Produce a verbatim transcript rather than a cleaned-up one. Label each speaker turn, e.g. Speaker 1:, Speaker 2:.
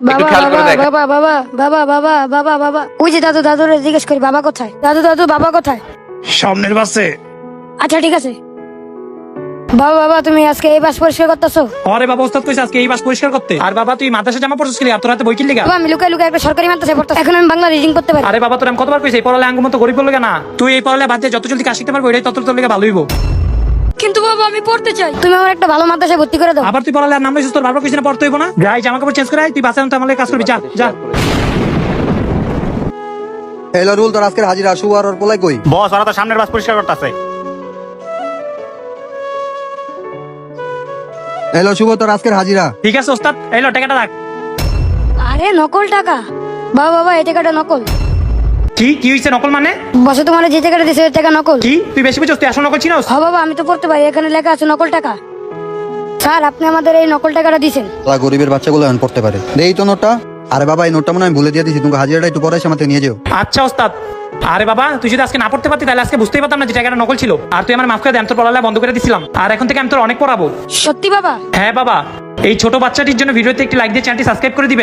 Speaker 1: একটু
Speaker 2: বাবা
Speaker 1: খেয়াল করে
Speaker 2: বাবা
Speaker 1: দেখ।
Speaker 2: বাবা বাবা বাবা বাবা বাবা বাবা ওই যে দাদু দাদুরে জিজ্ঞেস করি বাবা কোথায়, দাদু দাদু বাবা কোথায়?
Speaker 3: সামনের বাসে।
Speaker 2: আচ্ছা ঠিক আছে। বাবা বাবা তুমি আজকে এই বাস পরিষ্কার করতেছো?
Speaker 3: আরে বাবা ওস্তাদ কইছে আজকে এই বাস পরিষ্কার করতে। আর বাবা তুই মাদ্রাসা জামা পরছিস কি? আর তোর হাতে বই কিনলি গা?
Speaker 2: বাবা আমি লুকাই লুকাই একটা সরকারি মাদ্রাসায় পড়তেছি, এখন আমি বাংলা রিডিং করতে পারি।
Speaker 3: আরে বাবা তোর আমি কতবার কইছি এই পড়ালে আঙ্গুর মতো গরিব বললে না। তুই এই পড়ালে বাদ দিয়ে যত জলদি কাজ শিখতে পারবো এটাই তত তোর লেগে ভালো হইব।
Speaker 2: কিন্তু বাবা আমি পড়তে চাই, তুমি আমার একটা ভালো মাদ্রাসায় ভর্তি করে দাও।
Speaker 3: আবার তুই পড়ালে আর নাম লইছিস, তোর বারবার কইছিস না পড়তে হইব না? যাই জামা কাপড় চেঞ্জ করে আয়, তুই বাসে আনতে আমার কাজ করবি। যা যা।
Speaker 4: হ্যালো রুল, তোর আজকের হাজিরা শুভ আর ওর পোলাই কই?
Speaker 5: বস ওরা তো সামনের বাস পরিষ্কার করতেছে।
Speaker 4: হ্যালো শুভ, তোর আজকের হাজিরা।
Speaker 3: ঠিক আছে ওস্তাদ, এই লো টাকাটা রাখ।
Speaker 2: আরে নকল টাকা? বাবা বাবা এই টাকাটা নকল।
Speaker 3: কি কি হইছে নকল মানে?
Speaker 2: বসে তোমার যে টাকাটা দিছে ওই টাকা নকল।
Speaker 3: কি তুই বেশি বুঝছিস? তুই আসল নকল চিনোস?
Speaker 2: হ্যাঁ বাবা আমি তো পড়তে পারি, এখানে লেখা আছে নকল টাকা। স্যার আপনি আমাদের এই নকল টাকাটা দিছেন।
Speaker 4: তোরা গরিবের বাচ্চাগুলো এখন পড়তে পারে। দেই তো নোটটা। আরে বাবা এই নোটটা মনে হয় আমি ভুলে দিয়ে দিছি, তুমি হাজিরাটা একটু পরে এসে আমাকে নিয়ে যাও।
Speaker 3: আচ্ছা ওস্তাদ। আরে বাবা তুই যদি আজকে না পড়তে পারতি তাহলে আজকে বুঝতেই পারতাম না যে টাকাটা নকল ছিল। আর তুই আমার মাফ করে দে, আমি তোর পড়ালে বন্ধ করে দিছিলাম। আর এখন থেকে আমি তোর অনেক পড়াবো।
Speaker 2: সত্যি বাবা?
Speaker 3: হ্যাঁ বাবা। এই ছোট বাচ্চাটির জন্য ভিডিওতে একটি লাইক দিয়ে চ্যানেলটি সাবস্ক্রাইব করে দিবে।